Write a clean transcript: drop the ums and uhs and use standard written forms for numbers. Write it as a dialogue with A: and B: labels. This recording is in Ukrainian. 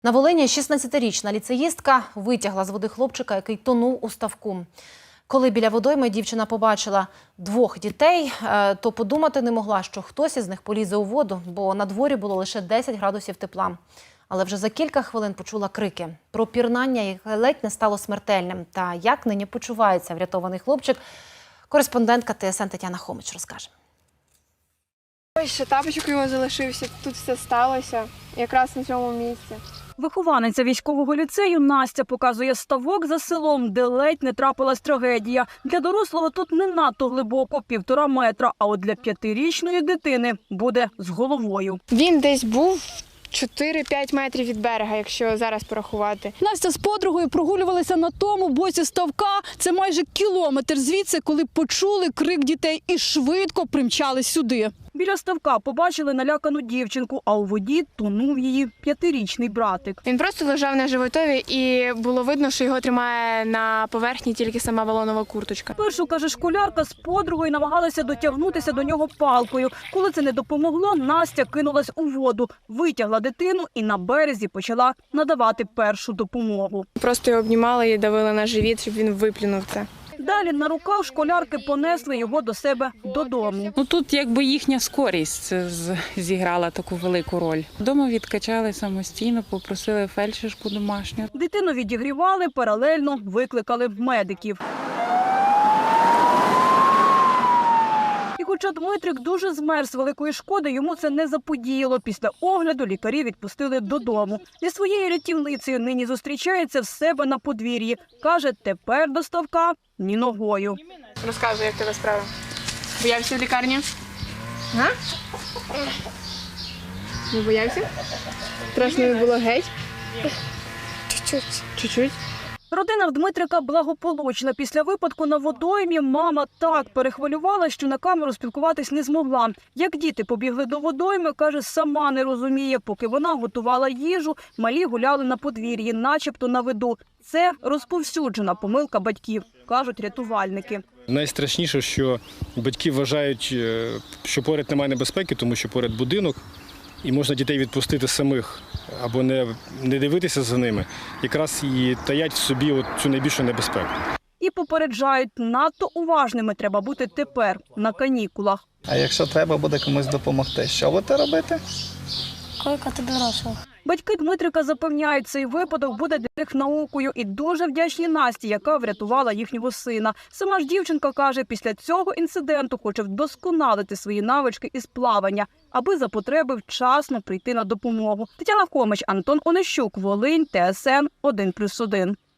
A: На Волині 16-річна ліцеїстка витягла з води хлопчика, який тонув у ставку. Коли біля водойми дівчина побачила двох дітей, то подумати не могла, що хтось із них полізе у воду, бо на дворі було лише 10 градусів тепла. Але вже за кілька хвилин почула крики про пірнання, яке ледь не стало смертельним. Та як нині почувається врятований хлопчик, кореспондентка ТСН Тетяна Хомич розкаже.
B: Ось ще тапочок його залишився, тут все сталося, якраз на цьому місці.
C: Вихованиця військового ліцею Настя показує ставок за селом, де ледь не трапилась трагедія. Для дорослого тут не надто глибоко, 1,5 метра, а от для 5-річної дитини буде з головою.
B: Він десь був 4-5 метрів від берега, якщо зараз порахувати.
D: Настя з подругою прогулювалися на тому боці ставка. Це майже кілометр звідси, коли почули крик дітей і швидко примчали сюди.
C: Біля ставка побачили налякану дівчинку, а у воді тонув її 5-річний братик.
B: Він просто лежав на животові і було видно, що його тримає на поверхні тільки сама балонова курточка.
C: Першу, каже, школярка з подругою намагалася дотягнутися до нього палкою. Коли це не допомогло, Настя кинулась у воду, витягла дитину і на березі почала надавати першу допомогу.
B: Просто його обнімали і давили на живіт, щоб він виплюнув це.
C: Далі на руках школярки понесли його до себе додому.
E: Тут якби їхня скорість зіграла таку велику роль. Вдома відкачали самостійно, попросили фельдшерку домашню.
C: Дитину відігрівали, паралельно викликали медиків. І хоча Дмитрик дуже змерз, великої шкоди йому це не заподіяло. Після огляду лікарі відпустили додому. Зі своєю рятівницею нині зустрічається в себе на подвір'ї. Каже, тепер до ставка ні ногою.
B: Розказуй, як тебе справа. Боявся в лікарні? А? Не боявся? Страшно не було геть? Чуть-чуть.
C: Родина в Дмитрика благополучна. Після випадку на водоймі мама так перехвилювала, що на камеру спілкуватись не змогла. Як діти побігли до водойми, каже, сама не розуміє. Поки вона готувала їжу, малі гуляли на подвір'ї, начебто на виду. Це розповсюджена помилка батьків, кажуть рятувальники.
F: Найстрашніше, що батьки вважають, що поряд немає небезпеки, тому що поряд будинок, і можна дітей відпустити самих або не дивитися за ними, якраз і таять в собі цю найбільшу небезпеку.
C: І попереджають, надто уважними треба бути тепер, на канікулах.
G: А якщо треба буде комусь допомогти, що будете робити?
H: Кликати дорослих.
C: Батьки Дмитрика запевняють, цей випадок буде для них наукою і дуже вдячні Насті, яка врятувала їхнього сина. Сама ж дівчинка каже, після цього інциденту хоче вдосконалити свої навички із плавання, аби за потреби вчасно прийти на допомогу. Тетяна Хомич, Антон Онищук, Волинь, ТСН 1+1.